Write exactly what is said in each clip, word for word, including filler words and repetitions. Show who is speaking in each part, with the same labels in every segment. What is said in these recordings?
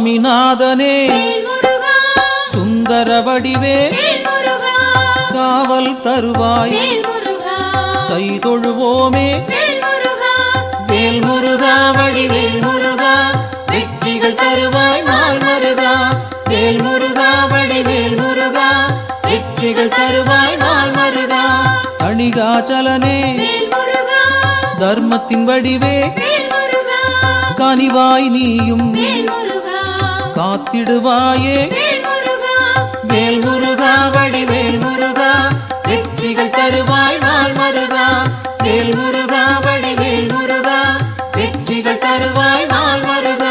Speaker 1: சுவாமிநாதனே சுந்தர வடிவே காவல் தருவாய் கை தொழுவோமே வேல் முருகா வடிவேல் முருகா வெற்றிகள் தருவாய் நாள் மருகா வேல் முருகா வடிவேல் முருகா வெற்றிகள் தருவாய் நாள் மருகா அணிகாச்சலனே தர்மத்தின் வடிவே கனிவாய் நீயும் காத்திடுவாயே வேல் முருகா வடிவேல் முருகா வெற்றிகள் தருவாய் நாள் மருகா வேல் முருகா வடிவேல் முருகா வெற்றிகள் தருவாய் நாள் மருகா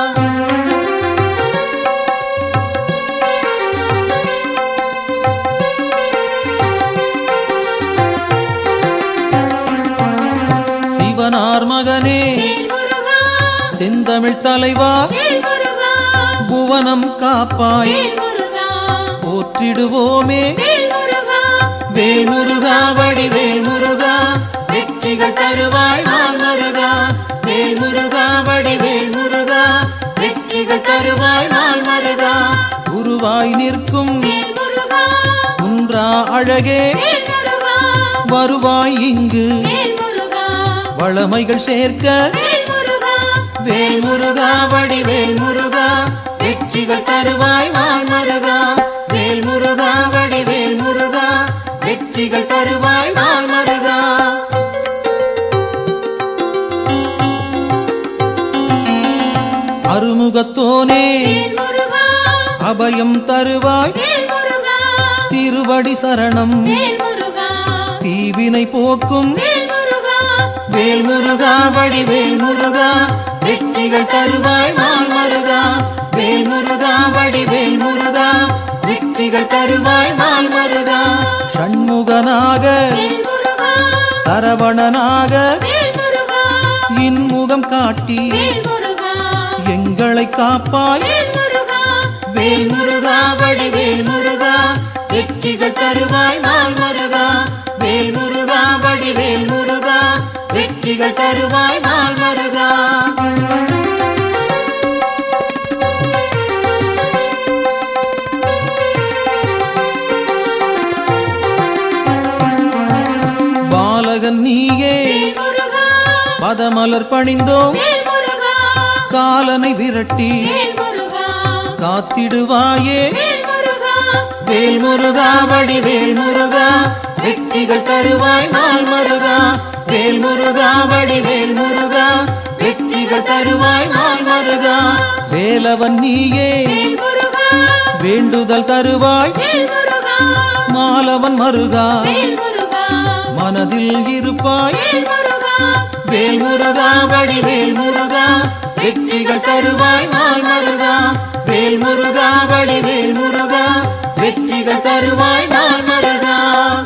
Speaker 1: சிவனார் மகனே செந்தமிழ் தலைவா புவனம் காப்பாய் போற்றிடுவோமே வேல் முருகா வடிவேல் முருகா வெற்றிகள் தருவாய் நாள் மருகா வேல் முருகா வடிவேல் முருகா வெற்றிகள் தருவாய் நாள் மருகா குருவாய் நிற்கும் குன்றா அழகே வருவாய் இங்கு வளமைகள் சேர்க்க வேல் முருகா வடிவேல் முருகா வெற்றிகள் தருவாய் நாள் மருகா வேல் முருகா வடிவேல் முருகா வெற்றிகள் தருவாய் நாள் மருகா அருமுகத்தோனே அபயம் தருவாய் திருவடி சரணம் தீவினை போக்கும் வேல் முருகா வடிவேல் முருகா வெற்றிகள் தருவாய் நாள் மருகா வேல் முருகா வடிவேல் முருகா வெற்றிகள் தருவாய் நாள் மருகா ஷண்முகனாக சரவணனாக இன்முகம் காட்டி எங்களை காப்பாய் வேல் முருகா வடிவேல் முருகா வெற்றிகள் தருவாய் நாள் மருகா வேல் முருகா வடிவேல் முருகா வெற்றிகள் தருவாய் நாள் மருகா பாலகன் நீயே பதமலர் பணிந்தோம் காலனை விரட்டி காத்திடுவாயே வேல் முருகா வடிவேல் முருகா வெற்றிகள் தருவாய் நாள் மருகா வேல் முருகா வடிவேல் முருகா வெற்றிகள் தருவாய் நாள் மருகா வேலவன் நீயே வேண்டுதல் தருவாய் மாலவன் மருகா மனதில் இருப்பாய் வேல் முருகா வடிவேல் முருகா வெற்றிகள் தருவாய் நாள் மருகா வேல் முருகா வடிவேல் முருகா வெற்றிகள் தருவாய் நாள் மருகா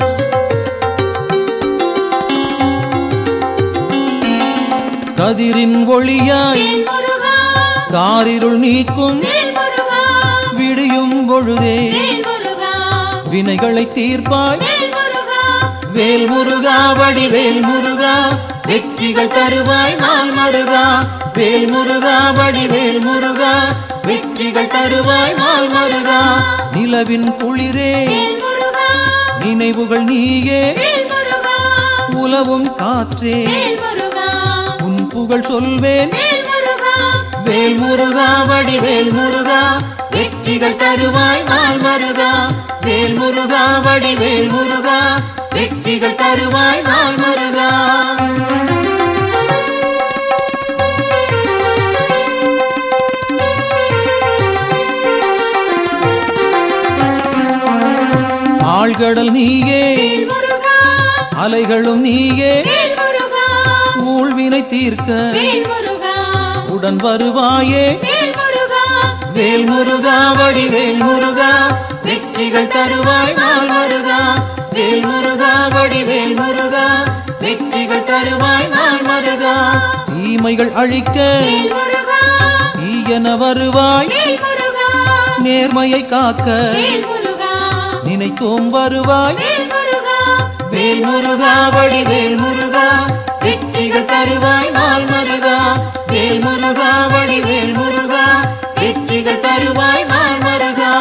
Speaker 1: கதிரின் ஒளியாய் காரிருள் நீக்கும் விடியும் பொழுதே வினைகளை தீர்ப்பாய் வேல் முருகா வடிவேல் முருகா வெற்றிகள் தருவாய் நாள் மருகா வேல் முருகா வடிவேல் முருகா வெற்றிகள் தருவாய் நாள் மருகா நிலவின் குளிரே நினைவுகள் நீயே உலவும் காற்றே உன் புகழ் சொல்வேன் வேல் முருகா வடிவேல் முருகா வெற்றிகள் தருவாய் நாள் மருகா வேல் முருகா வடிவேல் முருகா வெற்றிகள் தருவாய் நாள் மருகா ஆழ்கடல் நீயே அலைகளும் நீயே ஊழ்வினை தீர்க்க உடன் வருவாயே வேல் முருகா வடிவேல் முருகா வெற்றிகள் தருவாய் நாள் மருகா வேல் முருகா வடிவேல் முருகா வெற்றிகள் தருவாய் நாள் மருகா தீமைகள் அழிக்க தீயன வருவாய் நேர்மையை காக்க நினைத்தோம் வருவாய் வேல் முருகா வடிவேல் முருகா வெற்றிகள் தருவாய் நாள் மருகா வேல் முருகா வடிவேல் முருகா வெற்றி வெற்றிகள் தருவாய் நாள் மருகா.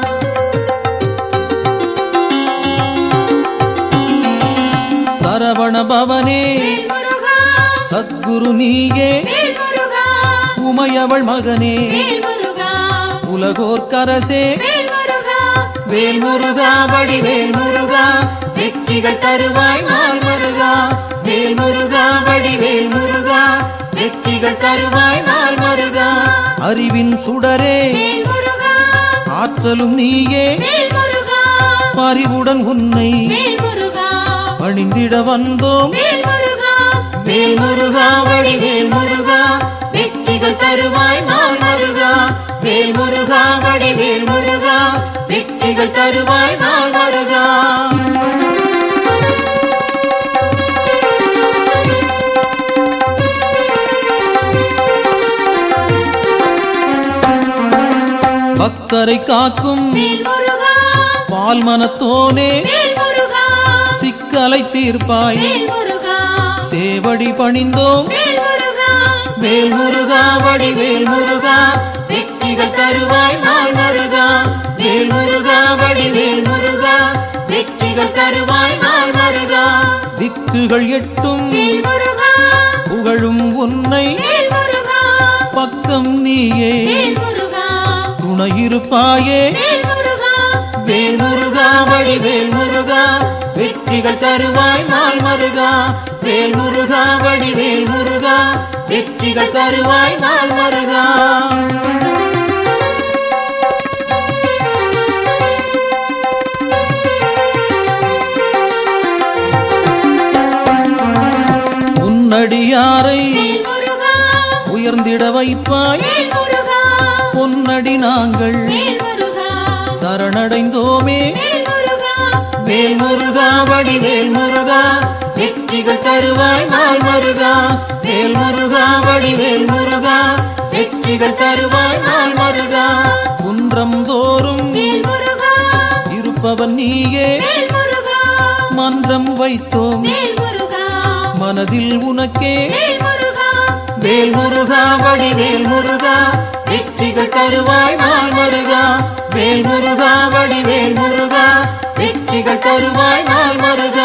Speaker 1: சரவண பவனே சத்குரு நீயே உமையவள் மகனே உலகோர்க்கரசே வேல் முருகா வடிவேல் முருகா வெற்றிகள் தருவாய் நாள் மருகா. வேல் முருகா வடிவேல் முருகா வெற்றிகள் தருவாய் நாள் மருகா. அறிவின் சுடரே ஆற்றலும் நீயே பறிவுடன் உன்னை பணிந்திட வந்தோம். வேல் முருகா வடிவேல் முருகா வெற்றிகள் தருவாய் நாள் மருகா. வேல் முருகா வடிவேல் முருகா வெற்றிகள் தருவாய் நாள் மருகா. பக்தரை காக்கும் பால் மனத்தோனே சிக்கலை தீர்ப்பாய் சேவடி பணிந்தோம். வேல் முருகா வடிவேல் முருகா வெற்றிகள் தருவாய் நாள் மருகா. வேல் முருகா வடிவேல் முருகா வெற்றிகள் தருவாய் நாள் மருகா. திக்குகள் எட்டும் புகழும் உன்னை பக்கம் நீயே துணையிருப்பாயே. வேல் முருகா வடிவேல் முருகா வெற்றிகள் தருவாய் நாள் மருகா. வேல் முருகா வடிவேல் முருகா வெற்றிகள் தருவாய் நாள் மருகா. உன்னடியாரை உயர்ந்திட வைப்பாய் பொன்னடி நாங்கள் சரணடைந்தோமே. வேல் முருகா வடிவேல் முருகா வெற்றிகள் தருவாய் நாள் மருகா. வேல் முருகா வடிவேல் முருகா வெற்றிகள் தருவாய் நாள் மருகா. குன்றம் தோறும் இருப்பவன் நீயே மன்றம் வைத்தோம் மனதில் உனக்கே. வேல் முருகா வடிவேல் முருகா வெற்றிகள் தருவாய் நாள் மருகா. வேல் முருகா வடிவேல் முருகா வெற்றிகள் தருவாய் நாள் மருகா.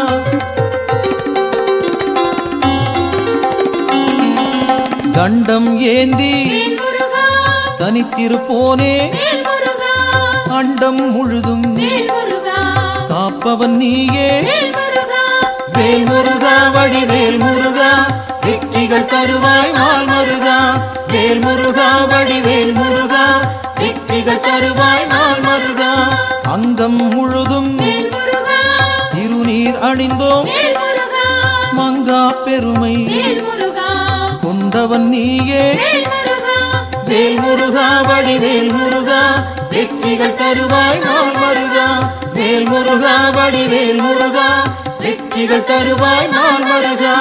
Speaker 1: தண்டம் ஏந்தி தனித்திருப்போனே அண்டம் முழுதும் காப்பவன் நீயே. வேல் முருகா வடிவேல் முருகா வெற்றிகள் தருவாய் நாள் மருகா. வேல் முருகா வடிவேல் முருகா வெற்றிகள் தருவாய் நாள் மருகா. அங்கம் முழுதும் திருநீர் அணிந்தோம் மங்கா பெருமை கொண்டவன் நீயே. வேல் முருகா வடிவேல் முருகா வெற்றிகள் தருவாய் நாள் மருகா. வேல் முருகா வடிவேல் முருகா வெற்றிகள் தருவாய் நாள் மருகா.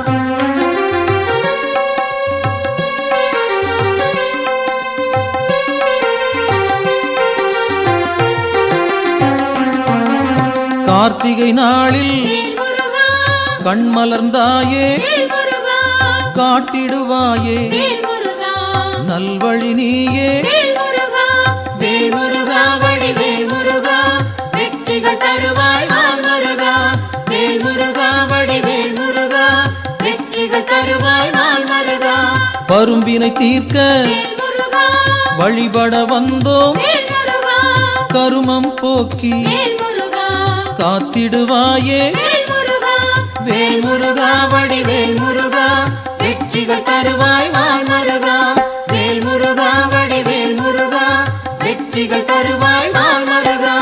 Speaker 1: கார்த்திகை நாளில் கண்மலர்ந்தாயே காட்டிடுவாயே நல்வழி நீயே. வேல் முருகா வடிவேல் முருகா வெற்றிகள் தருவாய் நாள் மருகா. வேல் முருகா வடிவேல் முருகா வெற்றிகள் தருவாய் நாள் மருகா. பரும்பினை தீர்க்க வழிபட வந்தோம் கருமம் போக்கி காத்திடுவாயே. வேல் முருகா வடிவேல் முருகா வெற்றிகள் தருவாய் நாள் மருகா. வேல் முருகா வடிவேல் முருகா வெற்றிகள் தருவாய் நாள் மருகா.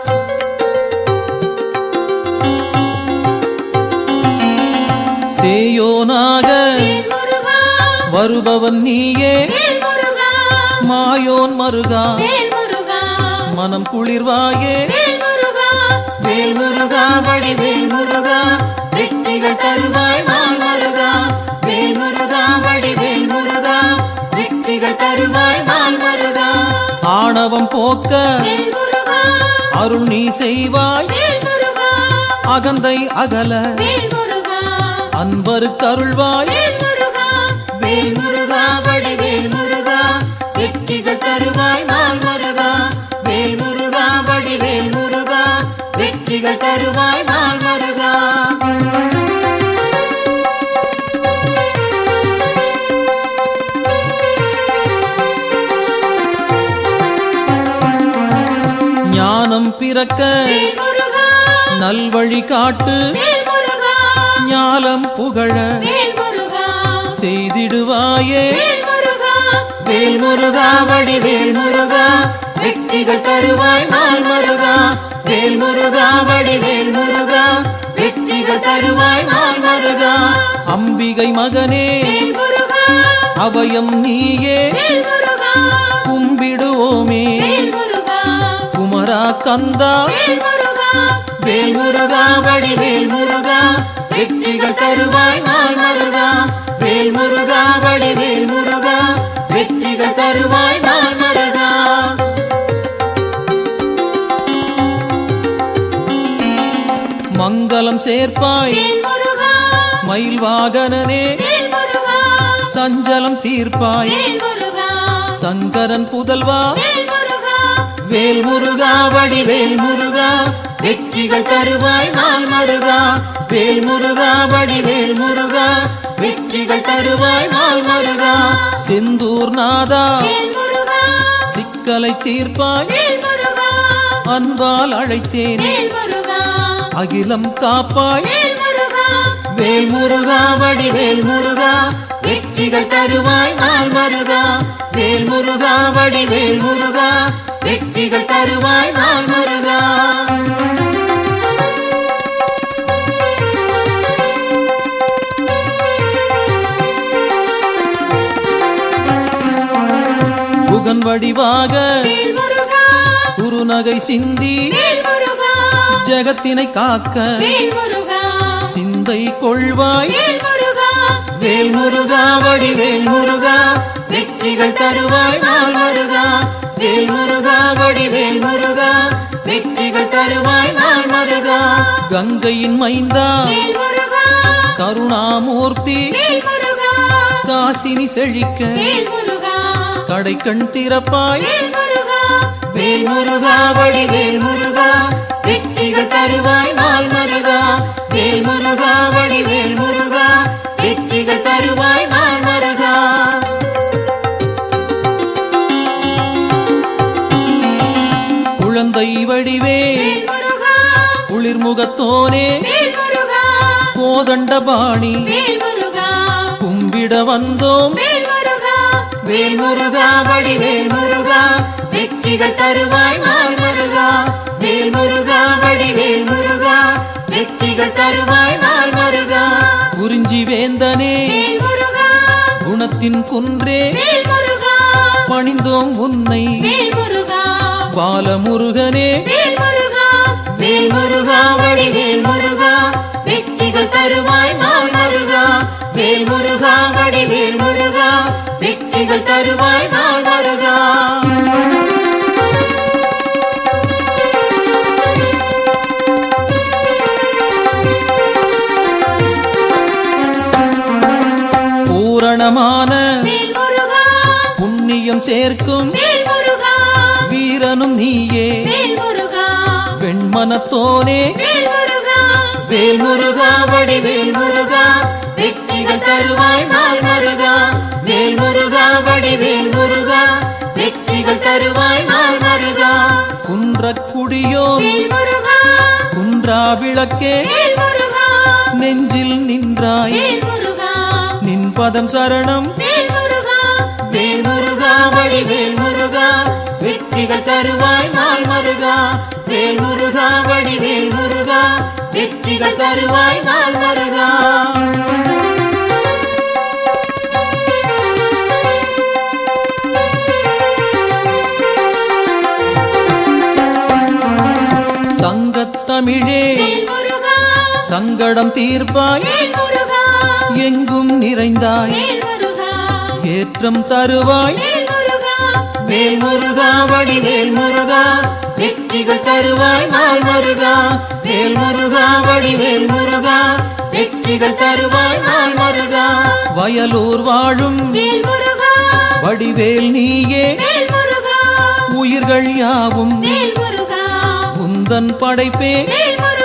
Speaker 1: சேயோனாக வருபவன் நீயே மாயோன் மருகா மனம் குளிர்வாயே. வேல் முருகா வடிவேல் முருகா வெற்றிகள் தருவாய் நாள் மருகா. வேல் முருகா வடிவேல் முருகா வெற்றிகள் தருவாய் நாள் மருகா. ஆணவம் போக்க அருள் நீ செய்வாய் அகந்தை அகல அன்பருக்கு அருள்வாய். வேல் முருகா வடிவேல் முருகா வெற்றிகள் தரு வெற்றிகள் தருவாய் நாள் மருகா. ஞானம் பிறக்க நல்வழி காட்டு, ஞாலம் புகழ செய்திடுவாயே வேல் முருகா. வடிவேல் முருகா வெற்றிகள் தருவாய் நாள் மருகா. வேல் முருகா வடிவேல் முருகா வெற்றிகள் தருவாய் நாள் மருகா. அம்பிகை மகனே அபயம் நீயே கும்பிடுவோமே குமரா கந்தா. வேல் முருகா வடிவேல் முருகா வெற்றிகள் தருவாய் நாள் மருகா. வேல் முருகா வடிவேல் முருகா வெற்றிகள் தருவாய் நாள் மருகா. மங்களம் சேர்ப்பாய் மயில் வாகனனே, சஞ்சலம் தீர்ப்பாய் சங்கரன் புதல்வா. வேல் முருகா வடிவேல் முருகா வெற்றிகள் தருவாய் நாள் மருகா. வேல் முருகா வடிவேல் முருகா வெற்றிகள் தருவாய் நாள் மருகா. செந்தூர் நாதா சிக்கலை தீர்ப்பாய், அன்பால் அழைத்தேன் அகிலம் காப்பாய். வேல் முருகா வடிவேல் முருகா வெற்றிகள் தருவாய் நாள் மருகா. வேல் முருகா வடிவேல் முருகா வெற்றிகள் தருவாய் நாள் மருகா. புகன் வடிவாக குறுநகை சிந்தி ஜகத்தினை காக்க சிந்தை கொள்வாய். வேல் முருகா வடிவேல் முருகா வெற்றிகள் தருவாய் நாள் மருகா. வேல் முருகா வடிவேல் முருகா வெற்றிகள் தருவாய் நாள் மருகா. கங்கையின் மைந்தா கருணாமூர்த்தி காசினி செழிக்க கடை கண் திறப்பாய். வேல் முருகா வடிவேல் முருகா வெற்றிகள் தருவாய் நாள் மருகா. வேல் முருகா வடிவேல் முருகா வெற்றிகள் தருவாய் நாள் மருகா. குழந்தை வடிவே குளிர்முகத்தோனே கோதண்டபாணி கும்பிட வந்தோம். வேல் முருகா வடிவேல் முருகா வெற்றிகள் தருவாய் நாள் மருகா. வேல் முருகா வடிவேல் முருகா வெற்றிகள் தருவாய் நாள் மருகா. குறிஞ்சி வேந்தனே குணத்தின் குன்றே பணிந்தோம் உன்னை பாலமுருகனே. வேல் முருகா வடிவேல் முருகா வெற்றிகள் தருவாய் நாள் மருகா. வேல் முருகா வடிவேல் முருகா வெற்றிகள் தருவாய் நாள் மருகா. பூரணமான புண்ணியம் சேர்க்கும் வீரனும் நீயே வெண்மனத்தோனே. வேல் முருகா வடிவேல் முருகா வெற்றிகள் தருவாய் நாள் மருகா. வேல் முருகா வடிவேல் முருகா வெற்றிகள் தருவாய் நாள் மருகா. குன்றக்குடியோ குன்றா விளக்கே நெஞ்சில் நின்றாய் நின் பதம் சரணம். வேல் முருகா வடிவேல் முருகா வெற்றிகள் தருவாய் நாள் மருகா. வேல் முருகா வடிவேல் முருகா வெற்றிகள் தருவாய் நாள் மருகா. சங்கத்தமிழே சங்கடம் தீர்ப்பாய் எங்கும் நிறைந்தாய் ஏற்றம் தருவாய். வேல் முருகா வடிவேல் முருகா வெற்றிகள் தருவாய் நாள் மருகா. வேல் முருகா வடிவேல் முருகா வெற்றிகள் தருவாய் நாள் மருகா. வயலூர் வாழும் வடிவேல் நீயே உயிர்கள் யாவும் உந்தன் படைப்பே.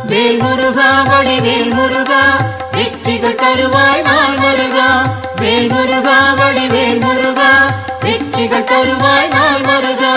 Speaker 1: வேல் முருகா வடிவேல் முருகா வெற்றிகள் தருவாய் நாள் முருகா வேல் முருகா வடிவேல் முருகா வெற்றிகள் தருவாய் நாள் முருகா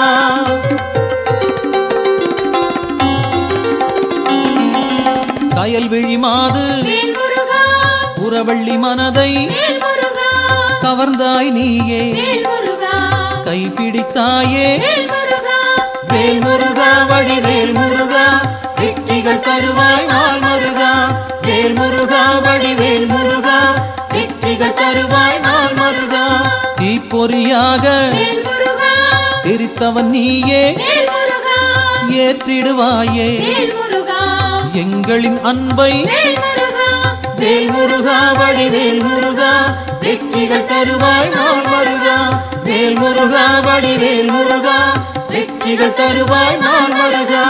Speaker 1: கயல்விழி மாது புறவள்ளி மனதை கவர்ந்தாய் நீயே கைப்பிடித்தாயே வேல் முருகா வடிவேல் முருகா வெற்றிகள் தருவாய் நாள் முருகா வேல் முருகா வடிவேல் முருகா வெற்றிகள் தருவாய் நாள் முருகா தீப்பொறியாக தெரித்தவன் நீயே ஏற்றிடுவாயே எங்களின் அன்பை வேல் முருகா வடிவேல் முருகா வெற்றிகள் தருவாய் நாள் முருகா வேல் முருகா வடிவேல் முருகா வெற்றிகள் தருவாய் நாள் முருகா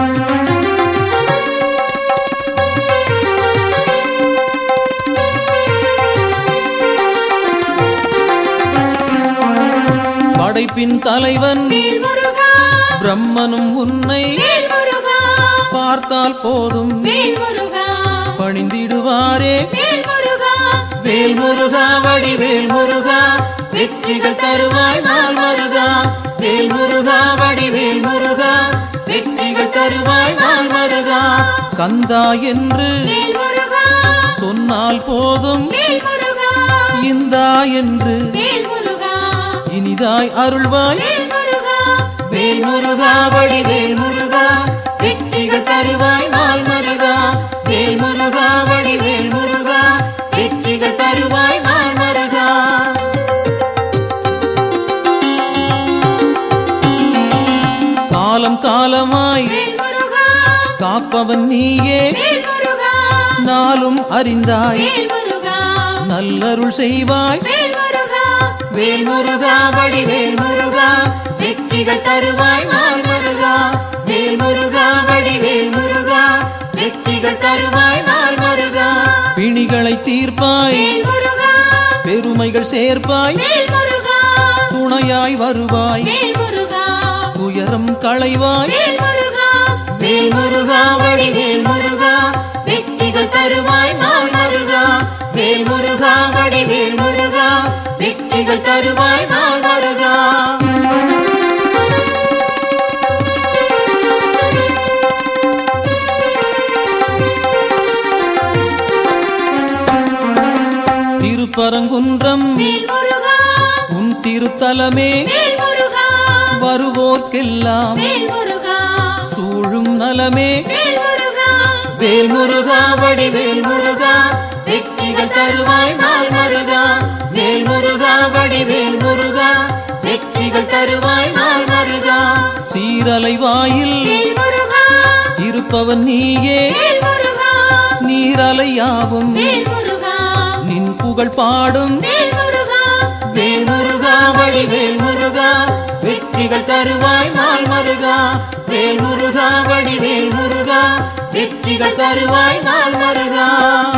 Speaker 1: படைப்பின் தலைவன் பிரம்மனும் உன்னை பார்த்தால் போதும் பணிந்திடுவாரே வேல் முருகா வடிவேல் முருகா வெற்றிகள் தருவாய் நாள் முருகா வேல் முருகா வடிவேல் முருகா வெற்றிகள் தருவாய் நாள் முருகா கந்தா என்று சொன்னால் போதும் இந்தா என்று இனிதாய் அருள்வாய் வேல் முருகா வடிவேல் முருகா வெற்றிகள் தருவாய் நாள் முருகா வேல் முருகா வடிவேல் முருகா வெற்றிகள் தருவாய் நாள் முருகா காலம் காலமாய் காப்பவன் நீயே நாளும் அறிந்தாய் நல்லருள் செய்வாய் வேல் முருகா வடிவேல் முருகா வெற்றிகள் தருவாய் நாள் முருகா வேல் முருகா வடிவேல் முருகா வெற்றிகள் தருவாய் நாள் முருகா பிணிகளை தீர்ப்பாய் பெருமைகள் சேர்ப்பாய் துணையாய் வருவாய் துயரம் களைவாய் வேல் முருகா வடிவேல் முருகா வெற்றிகள் தருவாய் நாள் முருகா வேல் முருகா வடிவேல் முருகா வெற்றிகள் தருவாய் நாள் முருகா திருப்பரங்குன்றம் உன் திருத்தலமே வருவோர்க்கெல்லாம் சூழும் நலமே வேல் முருகா வடிவேல் முருகா வெற்றிகள் தருவாய் நாள் முருகா வேல் முருகா வடிவேல் முருகா வெற்றிகள் தருவாய் நாள் முருகா சீரலை வாயில் இருப்பவன் நீயே நீரலையாவும் நின் புகழ் பாடும் வேல் முருகா வடிவேல் முருகா வெற்றிகள் தருவாய் நாள் முருகா வேல் முருகா வடிவேல் முருகா வெற்றிகள் தருவாய் நாள் முருகா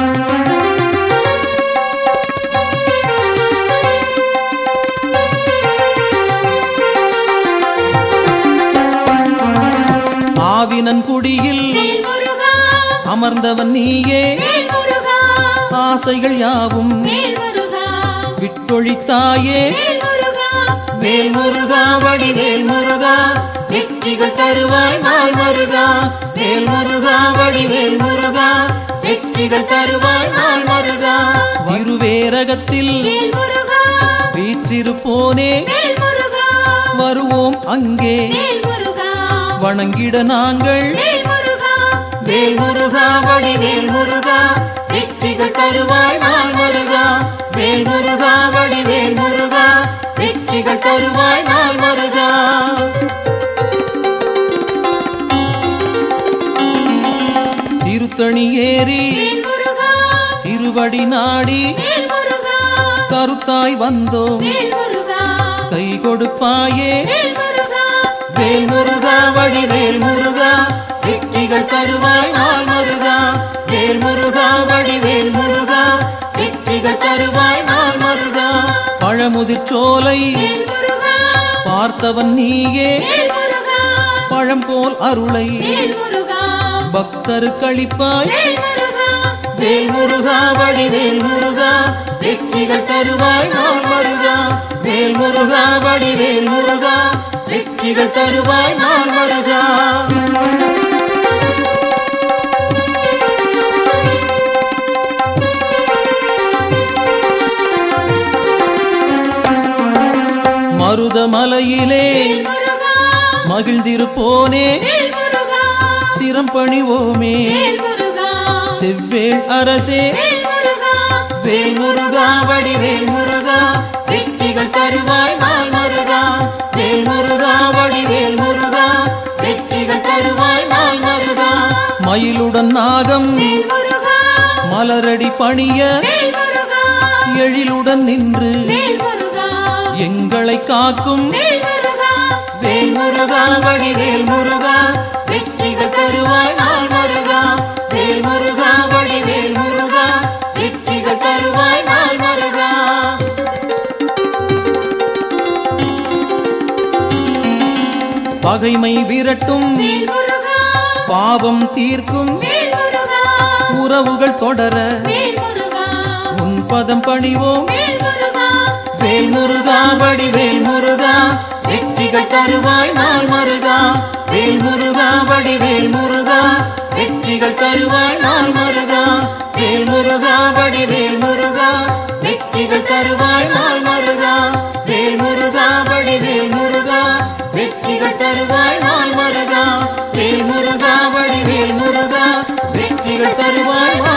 Speaker 1: ஆவினன் குடியில் அமர்ந்தவன் நீயே ஆசைகள் யாவும் விட்டொழித்தாயே வேல் முருகா வடிவேல் முருகா வெற்றிகள் தருவாய் நாள் முருகா வேல் முருகா வடிவேல் முருகா வெற்றிகள் தருவாய் நாள் முருகா திருவேரகத்தில் வீற்றிருப்போனே வருவோம் அங்கே வணங்கிட நாங்கள் வேல் முருகா வடிவேல் முருகா வெற்றிகள் தருவாய் நாள் முருகா வேல் முருகா வடிவேல் முருகா வெற்றிகள் தருவாய் நாள் முருகா திருத்தணி ஏறி திருவடி நாடி கருத்தாய் வந்தோம் கை கொடுப்பாயே வேல் முருகா வடிவேல் முருகா வெற்றிகள் தருவாய் நாள் முருகா வேல் முருகா வடிவேல் முருகா வெற்றிகள் தருவாய் நாள் முருகா பழமுதிர்ச்சோலை பார்த்தவன் நீயே பழம் போல் அருளை
Speaker 2: பக்தருக்களிப்பாய்
Speaker 1: வேல் முருகா வேல் முருகா வடிவேல் முருகா வெற்றிகள் தருவாய் நாள் முருகா வேல் முருகா வடிவேல் முருகா வெற்றிகள் தருவாய் நாள் முருகா
Speaker 2: மருதமலையிலே
Speaker 1: வேல் முருகா
Speaker 2: மகிழ்ந்திருப்போனே
Speaker 1: வேல் முருகா
Speaker 2: சிரம் பணிவோமே
Speaker 1: வேல் முருகா
Speaker 2: செவ்வேள் அரசே
Speaker 1: வேல் முருகா வேல் முருகா வடிவேல் முருகா வெற்றிகள் தருவாய் நாள் முருகா வேல் முருகா வடிவேல் முருகா வெற்றிகள் தருவாய் நாள் முருகா
Speaker 2: மயிலுடன் நாகம்
Speaker 1: வேல் முருகா
Speaker 2: மலரடி பணிய
Speaker 1: வேல் முருகா
Speaker 2: எழிலுடன் நின்று
Speaker 1: வேல் முருகா
Speaker 2: எங்களை காக்கும்
Speaker 1: வேல் முருகா வேல் முருகா வடிவேல் முருகா வெற்றிகள் தருவாய் நாள் முருகா வேல் முருகா வடிவேல் முருகா வெற்றிகள் தருவாய் நாள் முருகா
Speaker 2: பகைமை விரட்டும்
Speaker 1: வேல் முருகா
Speaker 2: பாவம் தீர்க்கும்
Speaker 1: வேல் முருகா
Speaker 2: உறவுகள் தொடர
Speaker 1: வேல் முருகா
Speaker 2: உன் பதம் பணிவோம்
Speaker 1: வேல் முருகா
Speaker 2: வேல் முருகா வடிவேல் முருகா
Speaker 1: வெற்றிகள் தருவாய் நாள் முருகா வேல் முருகா வடிவேல் முருகா வெற்றிகள் தருவாய் நாள் முருகா வேல் முருகா வடிவேல் முருகா வெற்றிகள் தருவாய் நாள் முருகா வேல் முருகா வடிவேல் முருகா வெற்றிகள் தருவாய் நாள் முருகா வேல் முருகா வடிவேல் முருகா வெற்றிகள் தருவாய்